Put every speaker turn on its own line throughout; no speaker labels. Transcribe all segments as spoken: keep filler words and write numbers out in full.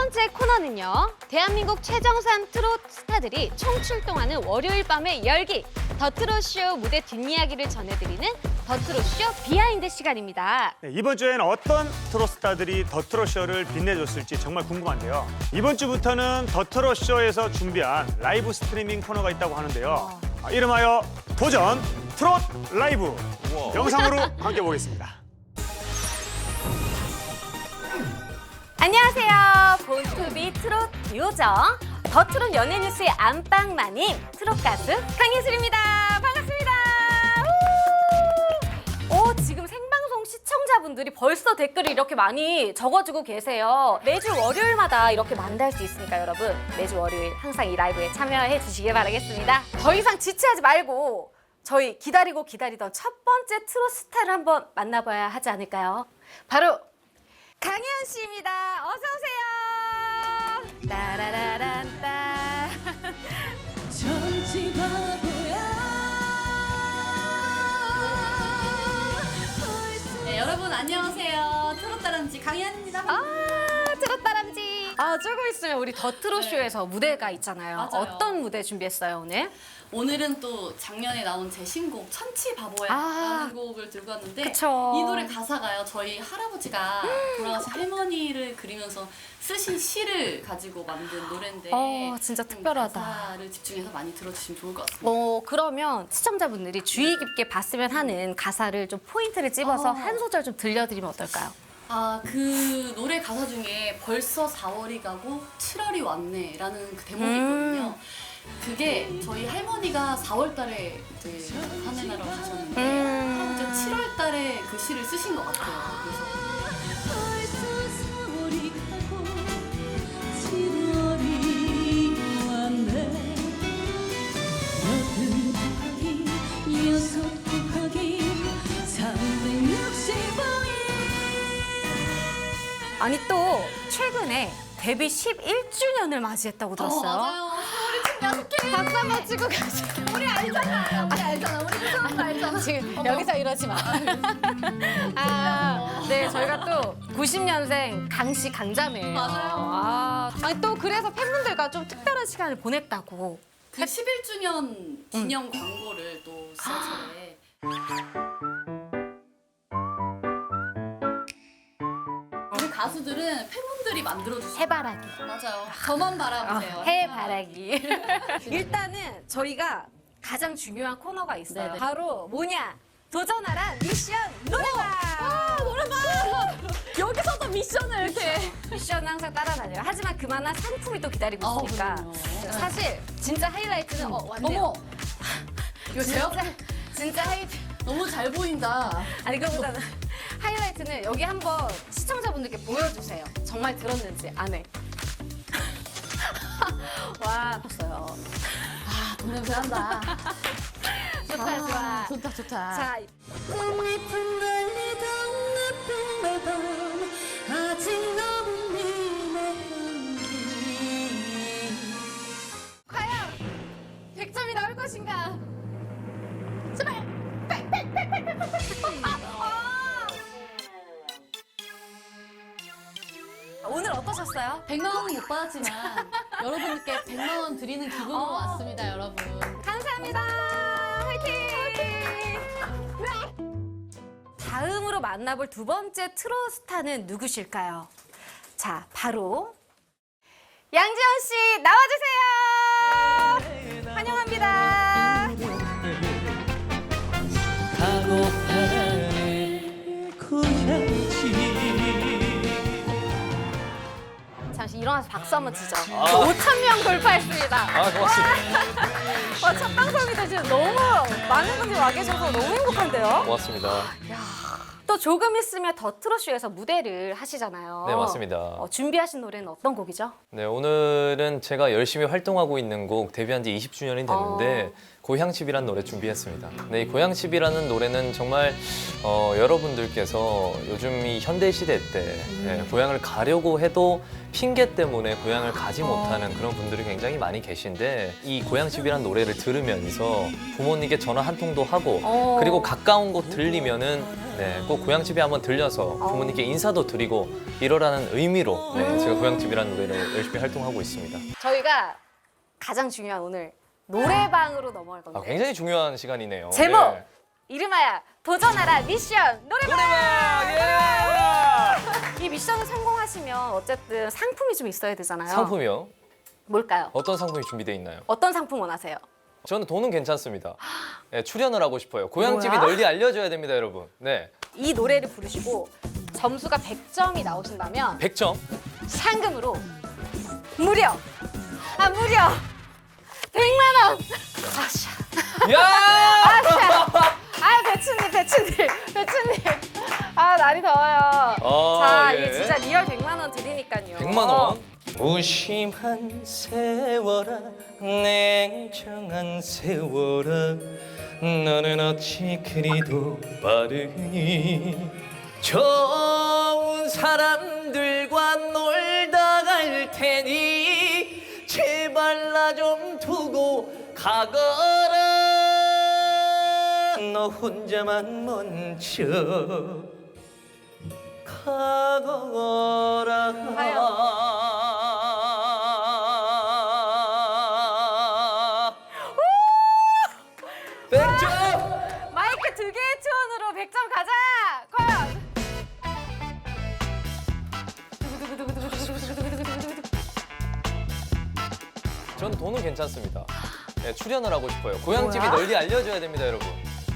번째 코너는요. 대한민국 최정상 트롯 스타들이 총출동하는 월요일 밤의 열기. 더 트롯쇼 무대 뒷이야기를 전해드리는 더 트롯쇼 비하인드 시간입니다.
네, 이번 주에는 어떤 트롯 스타들이 더 트롯쇼를 빛내줬을지 정말 궁금한데요. 이번 주부터는 더 트롯쇼에서 준비한 라이브 스트리밍 코너가 있다고 하는데요. 아, 이름하여 도전 트롯 라이브. 영상으로 함께 보겠습니다.
안녕하세요. 본투비 트롯 듀오죠. 더 트롯 연예 뉴스의 안방마님 트롯 가수 강예슬입니다. 반갑습니다. 우! 오, 지금 생방송 시청자분들이 벌써 댓글을 이렇게 많이 적어주고 계세요. 매주 월요일마다 이렇게 만날 수 있으니까 여러분 매주 월요일 항상 이 라이브에 참여해 주시길 바라겠습니다. 더 이상 지체하지 말고 저희 기다리고 기다리던 첫 번째 트롯 스타를 한번 만나봐야 하지 않을까요? 바로 강혜연 씨입니다. 어서 오세요. 따라라란따.
전지 바보야.
네, 여러분 안녕하세요. 트롯다람쥐 강희연입니다.
아, 트롯다람쥐. 아, 조금 있으면 우리 더 트롯쇼에서
네.
무대가 있잖아요.
맞아요.
어떤 무대 준비했어요, 오늘?
오늘은 또 작년에 나온 제 신곡 천치 바보야
아.
라는 곡을 들고 왔는데
그쵸.
이 노래 가사가요. 저희 할아버지가 돌아가신 할머니를 그리면서 쓰신 시를 가지고 만든 노래인데
어, 진짜
좀
특별하다.
가사를 집중해서 많이 들어주시면 좋을 것 같습니다.
어, 그러면 시청자분들이 주의 깊게 봤으면 하는 가사를 좀 포인트를 찝어서
어.
한 소절 좀 들려드리면 어떨까요?
아, 그 노래 가사 중에 벌써 사월이 가고 칠월이 왔네 라는 그 대목이
음.
있거든요. 그게 저희 할머니가 사월 달에 이제 하늘나라로 가셨는데
음.
할아버지가 칠월 달에 그 시를 쓰신 것 같아요. 그래서
벌써 사월이 가고 칠월이 왔네. 여든 곱하기 여섯 곱하기 삼백육십오 일.
아니, 또 최근에 데뷔 십일 주년을 맞이했다고 들었어요.
어, 맞아요. 우리 팀 여섯 개.
박수 한번 치고 가시죠.
우리 알잖아. 우리 알잖아. 우리 그 사람 알잖아.
지금 여기서 이러지 마. 아, 네, 저희가 또 구십 년생 강씨 강자매예요.
맞아요.
아, 아니 또 그래서 팬분들과 좀 특별한 시간을 보냈다고.
그 십일 주년 기념 광고를 또 지하철에 우리 가수들은 팬분들이 만들어주신
해바라기.
맞아요. 저만 바라보세요.
어, 해바라기. 일단은 저희가 가장 중요한 코너가 있어요.
네네.
바로 뭐냐? 도전하라 미션 노래방.
아, 노래방! 여기서도 미션을 이렇게.
미션은 항상 따라다녀요. 하지만 그만한 상품이 또 기다리고
아,
있으니까.
그럼요.
사실 진짜 하이라이트는 어, 왔네요.
어머! 이거 제요?
진짜, 진짜 하이
너무 잘 보인다.
아니 그거보다는 하이라이트는 여기 한번 시청자분들께 보여주세요. 정말 들었는지 안에. 와, 봤어요.
아, 돈 냄새 난다.
좋다, 좋아.
좋다, 좋다.
자,
꽃잎은 달리던 나쁜 매밤 아직 너무 미안해.
과연 백 점이 나올 것인가? 제발! 오늘 어떠셨어요?
백만 원은 못 받았지만 여러분께 백만 원 드리는 기분으로
어.
왔습니다, 여러분.
감사합니다. 화이팅! 다음으로 만나볼 두 번째 트롯 스타는 누구실까요? 자, 바로 양지원 씨 나와주세요. 환영합니다.
가고파네 고향지.
잠시 일어나서 박수 한번 치죠. 오천 명 돌파했습니다.
아, 고맙습니다.
와, 첫 방송인데 지금 너무 많은 분들이 와 계셔서 너무 행복한데요?
고맙습니다.
또 조금 있으면 더 트롯쇼에서 무대를 하시잖아요.
네, 맞습니다.
어, 준비하신 노래는 어떤 곡이죠?
네, 오늘은 제가 열심히 활동하고 있는 곡 데뷔한 지 이십 주년이 됐는데
어.
고향집이란 노래 준비했습니다. 네, 이 고향집이라는 노래는 정말 어, 여러분들께서 요즘 이 현대 시대 때 예, 고향을 가려고 해도 핑계 때문에 고향을 가지 못하는 그런 분들이 굉장히 많이 계신데 이 고향집이란 노래를 들으면서 부모님께 전화 한 통도 하고
어.
그리고 가까운 곳 들리면은 네, 꼭 고향집에 한번 들려서 부모님께 인사도 드리고 이러라는 의미로 네, 제가 고향집이라는 노래를 열심히 활동하고 있습니다.
저희가 가장 중요한 오늘 노래방으로 넘어갈 건데
아, 굉장히 중요한 시간이네요.
제목
네.
이름하여 도전하라 미션 노래방!
노래방!
이 미션을 성공하시면 어쨌든 상품이 좀 있어야 되잖아요.
예! 상품이요?
뭘까요?
어떤 상품이 준비되어 있나요?
어떤 상품 원하세요?
저는 돈은 괜찮습니다. 네, 출연을 하고 싶어요. 고향집이
뭐야?
널리 알려져야 됩니다, 여러분. 네,
이 노래를 부르시고 점수가 백 점이 나오신다면
백 점.
상금으로 무려 아 무려 백만 원! 아샤
야!
아 배추님 배추님 배추님 아 날이 더워요.
어,
자
예.
이게 진짜 리얼 백만 원 드리니까요.
백만 원.
무심한 세월아 냉정한 세월아 너는 어찌 그리도 빠르니 좋은 사람들과 놀다 갈 테니 제발 나 좀 두고 가거라 너 혼자만 먼저 가거라 백 점!
마이크 두 개의 투혼으로 백 점 가자. 과연
저는 돈은 괜찮습니다. 네, 출연을 하고 싶어요. 고향집이
뭐야?
널리 알려져야 됩니다, 여러분.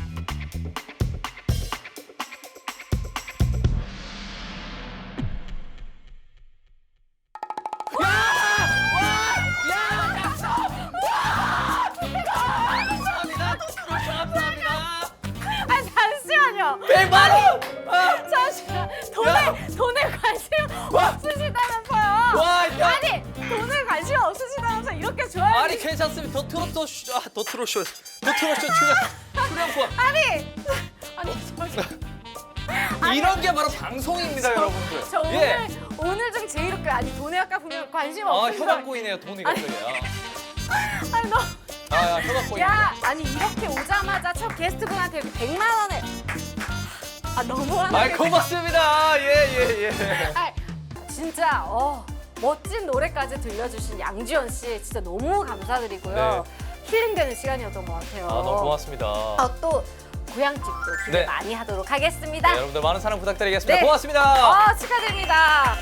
아 잠시만요.
백만 원!
잠시만 돈에 돈에 관심 없으시다면서요.
와, 야!
아니 돈에 관심 없으시다면서 이렇게 좋아요.
아니 괜찮습니다. 더 트롯 쇼, 아, 더 트롯 쇼, 더 트롯 쇼 출연 출연권.
아니 아니 저기
이런 게 바로 방송입니다, 여러분들.
저 오늘
예.
오늘 중 제일 웃겨. 아니 돈에 아까 보면 관심
아,
없으신
혀가 꼬이네요, 돈이 갑자기.
아니 너.
아, 아, 혀가 꼬이네.
야, 아니 이렇게 오자마자 첫 게스트분한테 이렇게 백만 원을 아 너무하네.
아, 고맙습니다. 예, 예, 예.
아, 진짜 어, 멋진 노래까지 들려주신 양지연 씨 진짜 너무 감사드리고요. 힐링되는 시간이었던 것 같아요.
아, 너무 고맙습니다.
아, 또 고향집도 기대
네.
많이 하도록 하겠습니다.
네, 여러분들 많은 사랑 부탁드리겠습니다.
네.
고맙습니다.
어, 축하드립니다.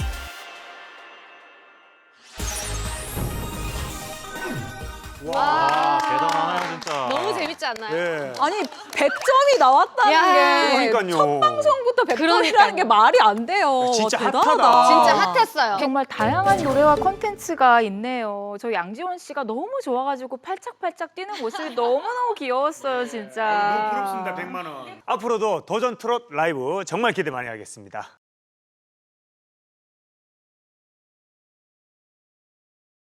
와, 대단하네요, 진짜.
너무 재밌지 않나요?
네.
아니 백 점이 나왔다는
야,
게
그러니까요.
첫 방송부터 백 점이라는
그러니까요.
게 말이 안 돼요.
진짜
대단하다.
핫하다.
진짜 핫했어요.
정말 다양한 노래와 콘텐츠가 있네요. 저 양지원 씨가 너무 좋아가지고 팔짝팔짝 뛰는 모습이 너무너무 귀여웠어요, 진짜.
너무 부럽습니다, 백만 원. 앞으로도 도전 트롯 라이브 정말 기대 많이 하겠습니다.